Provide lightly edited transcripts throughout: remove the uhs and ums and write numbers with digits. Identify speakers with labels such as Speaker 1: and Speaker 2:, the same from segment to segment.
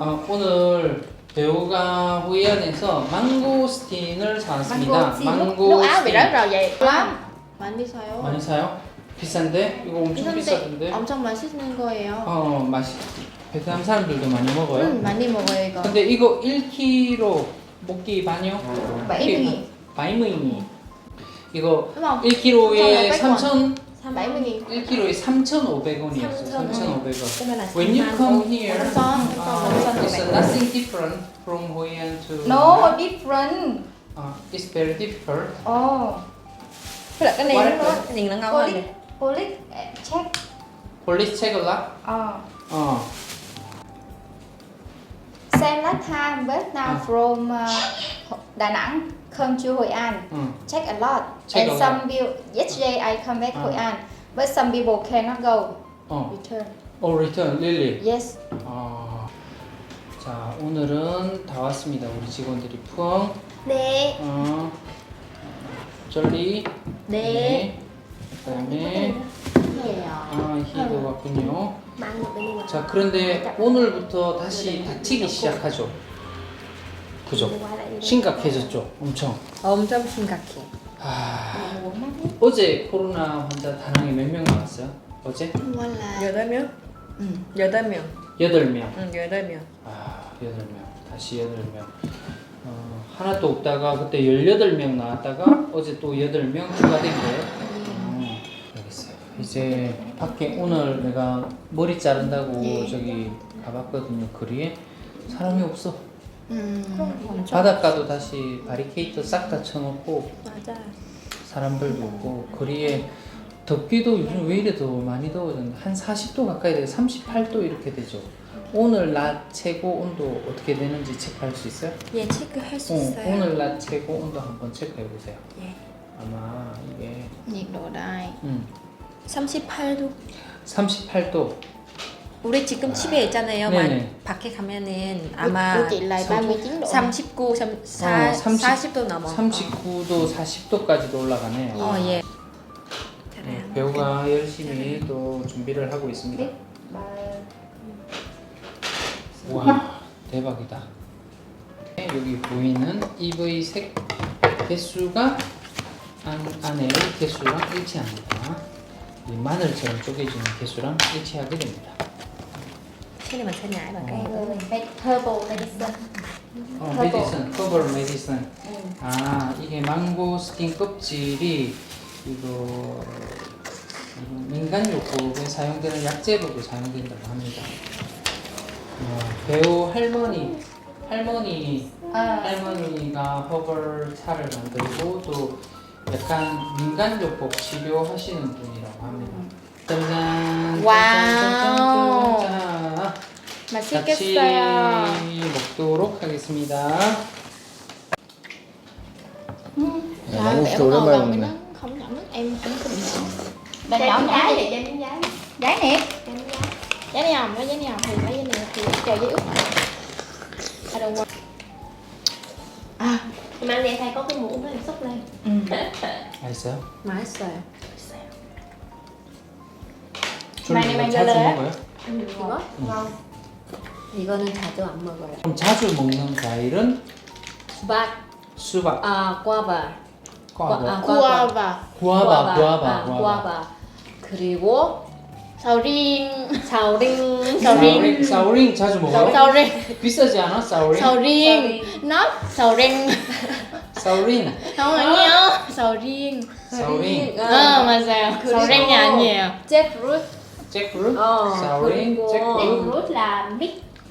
Speaker 1: 오늘 배우가 호이안에서 망고스틴을 사왔습니다.
Speaker 2: Nước Áo bị rớt rồi vậy lắm. 많이 사요.
Speaker 1: 많이 사요? 비싼데? 이거 엄청 비싸던데?
Speaker 2: 엄청 맛있는 거예요.
Speaker 1: 맛이 베트남 사람들도 많이 먹어요?
Speaker 2: 많이 먹어요 이거.
Speaker 1: 근데 이거 1kg 먹기 반요?
Speaker 2: 70.000.
Speaker 1: 70.000. 이거
Speaker 2: Đúng không?
Speaker 1: 1kg에 3,000
Speaker 2: 70.000.
Speaker 1: 1kg에 3,500원이었어요. 3,500원.
Speaker 3: Cái này là
Speaker 1: When you come here,
Speaker 2: Samson.
Speaker 1: it's nothing different from Hoi An to
Speaker 2: No, different.
Speaker 1: It's very difficult.
Speaker 2: Thế là cái này
Speaker 1: What?
Speaker 2: nó
Speaker 3: cái nhìn nó ngon hơn nè.
Speaker 2: Police check.
Speaker 1: Police check a lot.
Speaker 2: Same last time but now from Đà Nẵng come to Hội An. Check a lot.
Speaker 1: Check
Speaker 2: And
Speaker 1: a
Speaker 2: some people yesterday I come back Hội An, but some people cannot go. Return.
Speaker 1: Oh, return, really?
Speaker 2: Yes.
Speaker 1: 자, 오늘은 다 왔습니다. 우리 직원들이 푸엉,
Speaker 2: 네.
Speaker 1: 쩔리,
Speaker 2: 네.
Speaker 1: 그다음에 희도 왔군요.
Speaker 3: Mà ăn được bên ngoài.
Speaker 1: 자, 그런데 오늘부터 다시 닥치기 시작하죠. 그죠?
Speaker 3: Quay lại đi.
Speaker 1: 심각해졌죠, 엄청.
Speaker 3: 엄청 심각해.
Speaker 1: 어제 코로나 환자 다낭에 몇 명 나왔어요? 어제?
Speaker 2: Hôm qua là
Speaker 3: 8명? 응. 8명.
Speaker 1: 8명.
Speaker 3: 응, 8명.
Speaker 1: 8명. 다시 8명. 하나도 없다가 그때 18명 나왔다가 어제 또 8명 추가된 거예요. 알겠어요. 이제 밖에 오늘 내가 머리 자른다고 저기 가봤거든요. 거리에 사람이 없어. 바닷가도 다시 바리케이트 싹 다 쳐놓고
Speaker 3: 맞아.
Speaker 1: 사람들도 없고 거리에 덥기도 요즘 왜 이래 더 많이 더워졌는데 한 40도 가까이 돼요. 38도 이렇게 되죠. 오늘 낮 최고 온도 어떻게 되는지 체크할 수 있어요?
Speaker 3: 예, 체크할 수 있어요.
Speaker 1: 오늘 낮 최고 온도 한번 체크해 보세요.
Speaker 3: 예.
Speaker 1: 아마 이게
Speaker 2: nhiệt độ đây.
Speaker 3: 38도.
Speaker 1: 38도.
Speaker 3: 우리 지금 집에 있잖아요.
Speaker 1: 네네.
Speaker 3: 밖에 가면은 아마
Speaker 2: Của chị là 39 độ.
Speaker 3: 39, 40도 넘어.
Speaker 1: 39도, 40도까지도 올라가네요.
Speaker 3: 예.
Speaker 1: 배우가 열심히 또 준비를 하고 있습니다. 와, 대박이다. 여기 보이는 EV 색 개수가 안에 개수랑 일치합니다. 이 마늘처럼 쪼개지는 개수랑 일치하게 됩니다.
Speaker 3: Cái này mình sẽ nhảy vào cái
Speaker 2: Herbal medicine.
Speaker 1: 메디슨, 커버 메디슨. 이게 망고스틴 껍질이 이거 민간요법에 사용되는 약재로도 사용된다고 합니다. 배우 할머니가 허벌 차를 만들고 또 약간 민간요법 치료하시는 분이라고 합니다. 짜잔.
Speaker 2: 와우.
Speaker 1: 짠. 같이
Speaker 2: 맛있겠어요.
Speaker 1: 먹도록 하겠습니다.
Speaker 2: Sao em ngồi gần với nó không nhận nước em cũng không nhận. Bạn nhỏ nhỏ vậy cho miếng giấy. Giấy nè. Giấy này không? Lấy giấy này không? Thì lấy giấy này thì chờ giấy út. I don't want.
Speaker 3: Mà anh thầy có cái muỗng đó em xúc lên.
Speaker 1: 맛있어요?
Speaker 3: 맛있어요.
Speaker 2: 많이
Speaker 1: 자주
Speaker 2: 만들어요?
Speaker 1: 먹어요?
Speaker 3: 이거? ngon. 이거는 자주 안 먹어요.
Speaker 1: 그럼 자주 먹는 과일은
Speaker 3: 수박.
Speaker 1: 수박,
Speaker 3: 꽈바.
Speaker 1: 꽈바,
Speaker 2: Guava.
Speaker 3: 구아바. 그리고
Speaker 2: Sầu
Speaker 3: 사오링.
Speaker 1: 사오링 자주 먹어요?
Speaker 2: Sầu riêng.
Speaker 1: 비싸지 않아? 사오링?
Speaker 2: Sầu riêng. Nó sầu riêng.
Speaker 1: 사오링.
Speaker 2: Không 아니에요. Sầu riêng.
Speaker 1: 사오링.
Speaker 2: 맞아요. Sầu riêng nhà 아니에요. Jackfruit.
Speaker 1: 잭프루트?
Speaker 3: 어,
Speaker 1: 사오링,
Speaker 3: 그리고
Speaker 1: 잭프루트.
Speaker 2: Jackfruit là mix.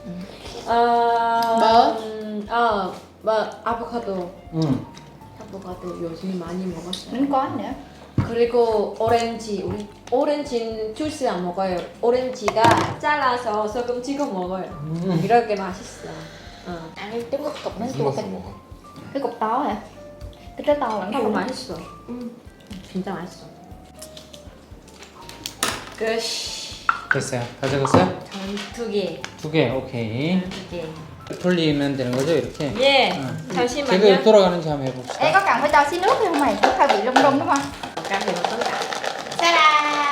Speaker 3: 아보카도.
Speaker 1: 응.
Speaker 3: 아보카도 요즘에 많이 먹었어요.
Speaker 2: Cũng có nữa.
Speaker 3: 그리고 오렌지. 우리 오렌지는 주스 안 먹어요. 오렌지가 잘라서 소금 찍어 먹어요. 이렇게 맛있어.
Speaker 2: Ăn cái trứng cục nó
Speaker 1: 무슨
Speaker 2: chua
Speaker 1: 맛을
Speaker 2: kinh.
Speaker 1: 먹어?
Speaker 2: Cái cục to hả? Cái trái to lắm
Speaker 3: 이거
Speaker 2: không?
Speaker 3: 맛있어. 진짜 맛있어. 끝.
Speaker 1: 됐어요. 다 적었어요?
Speaker 3: 두 개.
Speaker 1: 2개, 오케이.
Speaker 3: 두 개.
Speaker 1: 돌리면 되는 거죠, 이렇게?
Speaker 3: 예.
Speaker 1: 제가
Speaker 3: 잠시만요.
Speaker 1: 돌아가는지 한번 해봅시다.
Speaker 2: Ê, có cần phải cho xí nước không mày? Nước hơi bị rung rung đúng không?
Speaker 3: Cái này nó có cả.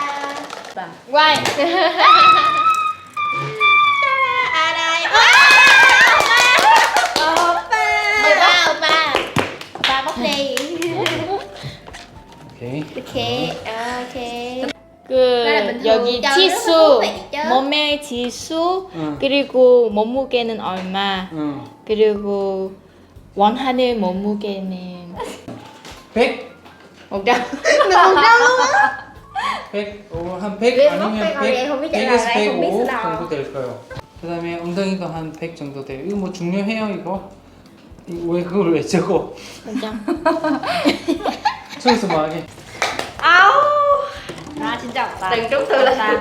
Speaker 2: Ta-da! Quay! Ta-da! À đây! ốc đi.
Speaker 1: 오케이.
Speaker 2: 이렇게 이렇게.
Speaker 4: 그
Speaker 2: 나는 bình thường
Speaker 4: 여기
Speaker 2: cho nó
Speaker 4: 지수,
Speaker 2: thú vị chứ.
Speaker 4: 몸의 지수,
Speaker 1: 응.
Speaker 4: 그리고 몸무게는 얼마,
Speaker 1: 응.
Speaker 4: 그리고 원하는 몸무게는
Speaker 1: 100?
Speaker 4: 100.
Speaker 1: 100, 한 100
Speaker 2: Biết
Speaker 1: 아니면
Speaker 2: móc 100 vậy không biết trả lời
Speaker 1: 100에서
Speaker 2: đây, không biết
Speaker 1: 105
Speaker 2: sao.
Speaker 1: 정도 될 거예요. 그 다음에 엉덩이도 한 100 정도 돼요. 이거 뭐 중요해요 이거? 왜 그걸 왜 적어? 저기서 뭐 하게?
Speaker 2: Rồi xin chào bạn.
Speaker 3: Từng trúng thư là ta.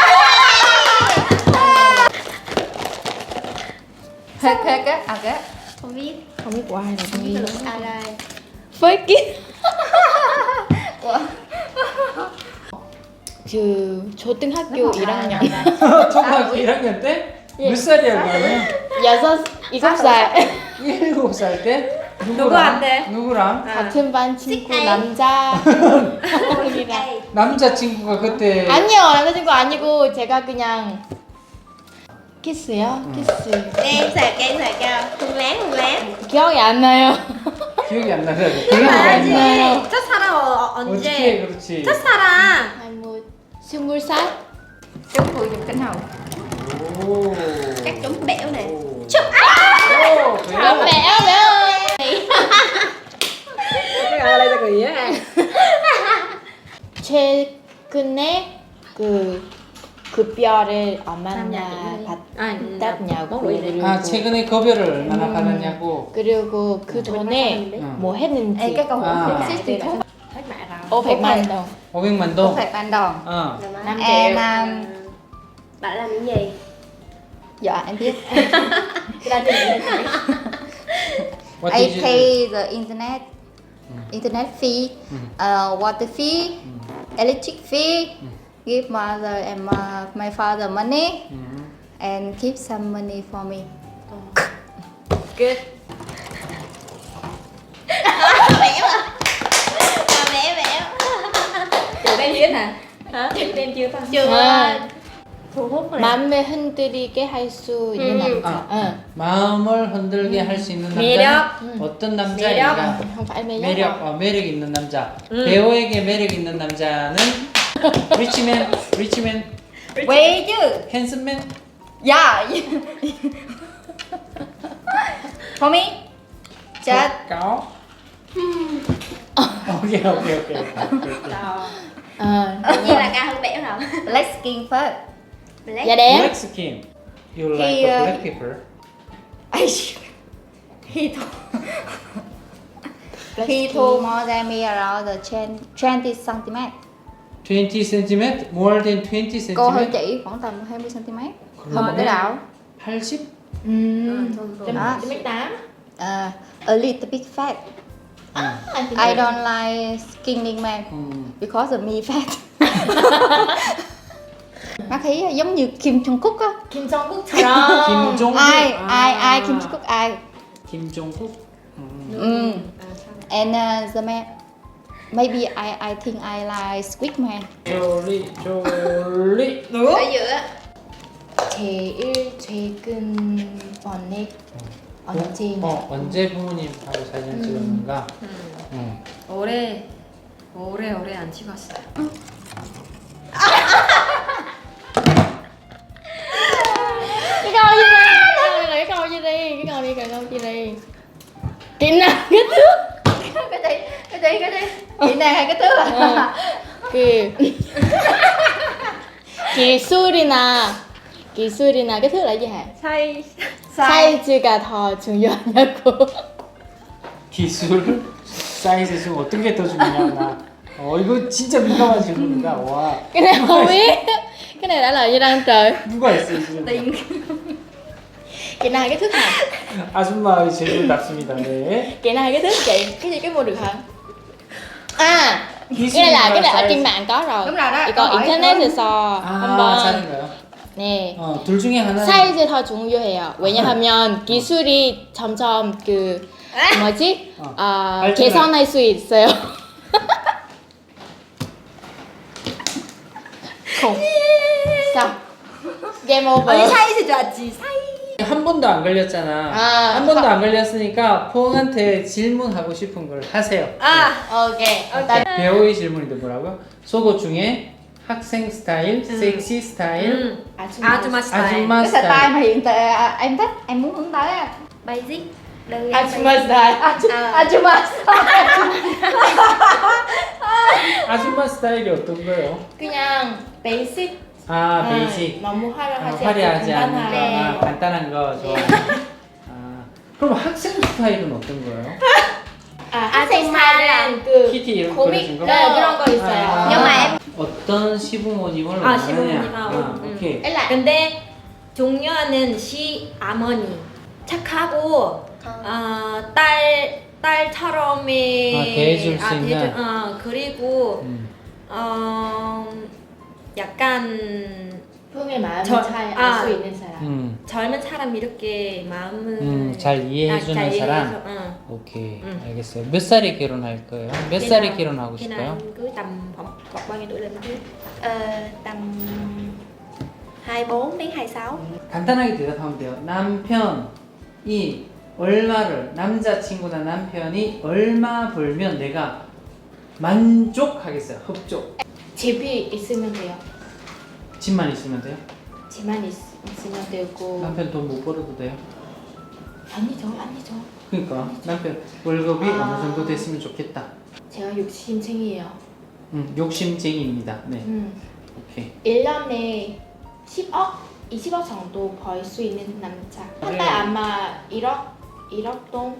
Speaker 2: Hết hết á, cái. Không biết.
Speaker 4: không biết của ai rồi
Speaker 2: Không biết là ai đây.
Speaker 4: với 그 초등학교 1학년
Speaker 1: 초등학교 1학년 때? 몇 살이야 그러면?
Speaker 4: 7살
Speaker 1: 7살 때?
Speaker 3: 누구한테?
Speaker 1: 누구랑?
Speaker 4: 같은 반 친구
Speaker 2: thích
Speaker 4: 남자
Speaker 2: Đây.
Speaker 1: 남자친구가 그때
Speaker 4: 아니요 남자친구 아니고 제가 그냥 키스요? 키스
Speaker 2: Em sạc cho. Không láng.
Speaker 4: 기억이 안 나요
Speaker 1: 기억이 안 나요. 그런 거 아니야.
Speaker 4: 나요
Speaker 3: 첫사랑
Speaker 1: 어떻게
Speaker 3: 언제?
Speaker 1: 그렇지?
Speaker 3: 첫사랑.
Speaker 4: 한 뭐 20살?
Speaker 2: Trúng Phù Dục Cánh Hồng.
Speaker 1: 오.
Speaker 2: Chắc trúng bẻo nè.
Speaker 1: 오.
Speaker 2: Chúc
Speaker 1: 오,
Speaker 4: 아,
Speaker 1: 그래요?
Speaker 4: 매워 매워
Speaker 3: Cái gọi là gì á?
Speaker 4: 최근에 그 급여를 얼마나
Speaker 3: 아,
Speaker 4: 받았냐고
Speaker 1: 아, 최근에 급여를 얼마나 받았냐고.
Speaker 4: 그리고 그 돈에
Speaker 1: 응.
Speaker 4: 뭐 했는지
Speaker 2: Ê, cái câu hỏi
Speaker 1: À.
Speaker 2: xích xích xích.
Speaker 3: Hết mẹ rồi.
Speaker 4: 500만 원
Speaker 1: 500만 동.
Speaker 2: Phạt ban đòn.
Speaker 1: 어.
Speaker 4: 5
Speaker 2: Em
Speaker 4: triệu
Speaker 3: Bạn làm những gì?
Speaker 2: dạ em biết.
Speaker 1: What
Speaker 2: I
Speaker 1: did you do?
Speaker 2: pay the internet fee, water fee, electric fee, give mother and my father money, and keep some money for me.
Speaker 3: Good. Chị đang viết hả? Hả? Chị đang chưa ta?
Speaker 2: Chưa.
Speaker 3: Thu hút rồi.
Speaker 4: 마음을 흔들리게 할 수 있는 남자
Speaker 1: 아.
Speaker 4: 응.
Speaker 1: 마음을 흔들게 할 수 있는
Speaker 3: 매력.
Speaker 1: 남자는 어떤 남자인가?
Speaker 4: không phải 매력
Speaker 1: 매력 있는 남자. 배우에게 매력 있는 남자는 리치맨,
Speaker 2: Quay chứ.
Speaker 1: 핸섬맨.
Speaker 2: Dạ. For me. Chết.
Speaker 1: cáo. 오케이.
Speaker 2: Tự nhiên là ca hơn bẻo rồi. Black skin first. Black.
Speaker 4: dạ đẹp
Speaker 1: Black skin. You like
Speaker 2: He,
Speaker 1: the black people?
Speaker 2: He told more than me around the 20 cm.
Speaker 1: 20 cm? More than 20
Speaker 2: Cô hơn
Speaker 1: cm?
Speaker 2: chị khoảng tầm 20 cm. Hơn
Speaker 1: 그러네.
Speaker 2: một cái đảo.
Speaker 1: 80?
Speaker 2: Đó.
Speaker 3: 1m8.
Speaker 2: A little bit fat. I don't like skinny man because of me fat. Nó thấy giống như Kim Jong Kook á.
Speaker 3: Kim Jong Kook.
Speaker 1: 김종국.
Speaker 2: Ai Kim Jong Kook ai.
Speaker 1: 김종국?
Speaker 2: And the man, maybe I think I like Squid Man.
Speaker 1: 졸리.
Speaker 2: Ở giữa.
Speaker 4: 제일 최근 번에 언제냐
Speaker 1: 언제 부모님하고 사진 찍었는가?
Speaker 3: 오래 안 찍었어요.
Speaker 4: cái câu gì đây cái câu gì đi cái câu gì đi kỹ năng cái thước
Speaker 2: Cái gì? Chị này hay cái thứ à?
Speaker 4: 그 기술이나 cái thước là gì hả? 사이즈가 더 중요하냐고.
Speaker 1: 기술? 사이즈 중 어떤 게 더 중요하나? 이거 진짜 민감한 질문이다. 와.
Speaker 4: cái này không biết. Cái này đã là gì đang trời?
Speaker 1: 누가 했어요 지금?
Speaker 4: Chị nào hay cái thước hả?
Speaker 1: 아줌마의 질문답습니다. 네.
Speaker 4: Chị nào hay cái thước chị? Cái gì cái mua được hả? À,
Speaker 1: 기술이나
Speaker 4: cái này ở
Speaker 1: 사이즈.
Speaker 4: trên mạng có rồi.
Speaker 2: Đúng rồi đó,
Speaker 4: 이거
Speaker 2: câu hỏi
Speaker 4: 인터넷에서
Speaker 1: 아,
Speaker 4: 한번
Speaker 1: 찾은 거요?
Speaker 4: 네.
Speaker 1: 둘 중에 하나.
Speaker 4: 사이즈 더 중요해요. 왜냐하면 기술이 점점 그 뭐지?
Speaker 1: 발전을-
Speaker 4: 개선할 수 있어요. Sao? Game over.
Speaker 3: 사이즈 좋았지. 사이.
Speaker 1: 한 번도 안 걸렸잖아.
Speaker 2: 아,
Speaker 1: 한 번도 안 걸렸으니까 포옹한테 질문하고 싶은 걸 하세요.
Speaker 2: 오케이.
Speaker 1: 배우의 질문인데 뭐라고요? 속옷 중에 학생 스타일, 섹시 스타일,
Speaker 3: 아줌마 스타일.
Speaker 1: 아줌마
Speaker 2: Cái style
Speaker 1: 스타일.
Speaker 2: mà hiện tại em thích, em muốn hướng tới á.
Speaker 3: Basic. Đơn giản
Speaker 2: Ajuma
Speaker 3: basic.
Speaker 2: style. Ajuma style.
Speaker 1: 아줌마 스타일이 어떤 거예요?
Speaker 2: 그냥 베이직.
Speaker 1: 아, 베이직.
Speaker 2: 너무 화려하지
Speaker 1: 화려하지
Speaker 2: 않고
Speaker 1: 않은 거,
Speaker 2: 간단하게.
Speaker 1: 아, 간단한 거 좋아해요. 아, 그럼 학생 스타일은 어떤 거예요?
Speaker 2: 학생 스타일은 그
Speaker 1: 키티 이런 거
Speaker 2: 코믹
Speaker 1: 그려진 거?
Speaker 2: 네, 그런 거 있어요.
Speaker 1: 아,
Speaker 2: Nhưng mà em
Speaker 1: 어떤 시부모님을
Speaker 3: 아,
Speaker 1: 원하느냐?
Speaker 3: 시부모님.
Speaker 1: 오케이.
Speaker 2: ấy là
Speaker 3: 근데 종료하는 시어머니 착하고 딸처럼의
Speaker 1: 대해줄 수 있는?
Speaker 3: 그리고
Speaker 1: 음.
Speaker 3: 약간
Speaker 2: Phương 마음을
Speaker 3: 저-
Speaker 2: 잘
Speaker 3: 아.
Speaker 2: 알 수 있는 사람.
Speaker 3: 젊은 사람 이렇게 마음을
Speaker 1: 잘 이해해주는
Speaker 3: 잘
Speaker 1: 사람?
Speaker 3: 이해해서, 응.
Speaker 1: 오케이,
Speaker 3: 응.
Speaker 1: 알겠어요. 몇 살에 결혼할 거예요? 몇 살에 결혼하고
Speaker 3: Khi nào
Speaker 1: 싶어요?
Speaker 3: em cưới tầm khoảng bao nhiêu tuổi lên cưới?
Speaker 4: Tầm 24 đến 26.
Speaker 1: 간단하게 대답하면 돼요. 남편이 얼마를, 남자친구나 남편이 얼마 벌면 내가 만족하겠어요. 흡족.
Speaker 2: 집이 있으면 돼요.
Speaker 1: 집만 있으면 돼요?
Speaker 2: 집만 있으면 되고.
Speaker 1: 남편 돈 못 벌어도 돼요?
Speaker 2: 아니죠.
Speaker 1: 그러니까 남편 월급이
Speaker 2: 아.
Speaker 1: 어느 정도 됐으면 좋겠다.
Speaker 2: 제가 욕심쟁이에요.
Speaker 1: 욕심쟁이입니다. 네, 오케이.
Speaker 2: 1년에 10억, 20억 정도 벌 수 있는 남자. 한 달
Speaker 1: 그래.
Speaker 2: 아마 1억 돈.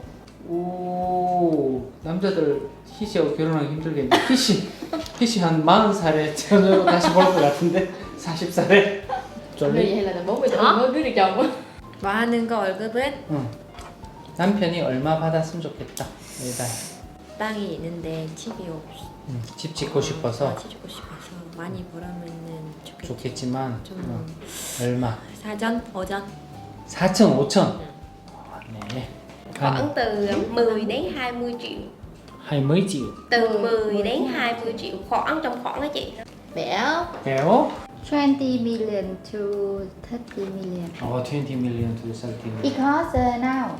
Speaker 1: 오, 남자들 희씨하고 결혼하기 힘들겠네. 희씨 한 40살에 전으로 다시 벌 것 같은데 40살에
Speaker 2: Rồi
Speaker 1: 쫄리?
Speaker 2: hay là 40 tuổi mới cưới được chồng.
Speaker 3: 뭐 하는 거 월급은
Speaker 1: 응. 남편이 얼마 받았으면 좋겠다. 매달.
Speaker 3: 땅이 있는데 집이 없어.
Speaker 1: 집 짓고 싶어서
Speaker 3: 집 짓고 싶어서 많이 벌으면은 좋겠지.
Speaker 1: 좋겠지만
Speaker 3: 좀
Speaker 1: 얼마?
Speaker 3: 사전, 오전.
Speaker 1: 4천, 5천. 네.
Speaker 4: Khoảng từ 10 đến 20 triệu.
Speaker 1: 20 triệu.
Speaker 4: Từ 10 đến 20 triệu khoảng trong khoảng đó chị.
Speaker 2: Béo.
Speaker 1: 배워?
Speaker 5: 20 million to 30 million
Speaker 1: 20 million to 30 million.
Speaker 5: because now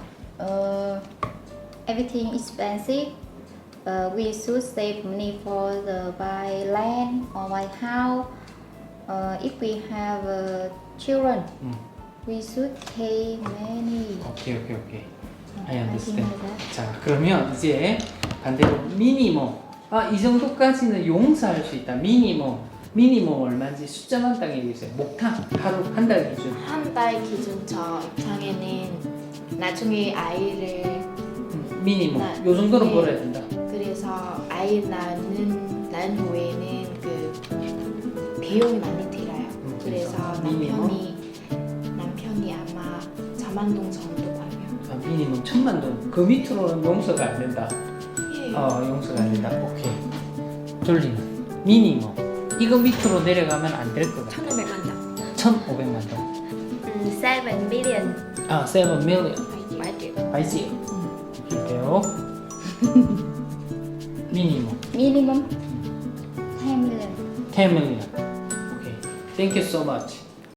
Speaker 5: everything expensive. We should save money for the buy land or buy house. If we have children, we should pay many.
Speaker 1: 오케이. I
Speaker 5: I think
Speaker 1: understand.
Speaker 5: like that.
Speaker 1: 자, 그러면 이제 반대로 미니멈. 이 정도까지는 용서할 수 있다. 미니멈 얼마인지 숫자만 딱 얘기해주세요. 목탕 하루 한 달 기준.
Speaker 2: 한 달 기준 저 입장에는 나중에 아이를
Speaker 1: 미니멈.
Speaker 2: 네.
Speaker 1: 요 정도는
Speaker 2: 네.
Speaker 1: 벌어야 된다.
Speaker 2: 그래서 아이 낳은 후에는 그 비용이 많이 들어요. 그래서 남편이 아마 1,000만 동 정도 벌면
Speaker 1: 미니멈 1,000만 동. 그 밑으로는 용서가 안 된다. 용서가 안 된다. 오케이. 졸리는 미니멈. 이거 밑으로 내려가면 안 될 것 같아.
Speaker 3: 1,500만 원.
Speaker 1: 1,500만 동.
Speaker 4: 7 million.
Speaker 1: 7 million.
Speaker 3: 7 triệu.
Speaker 1: 8 triệu. 볼게요. 미니멈.
Speaker 5: Minimum 10 million.
Speaker 1: 10 million. 오케이. Thank you so much.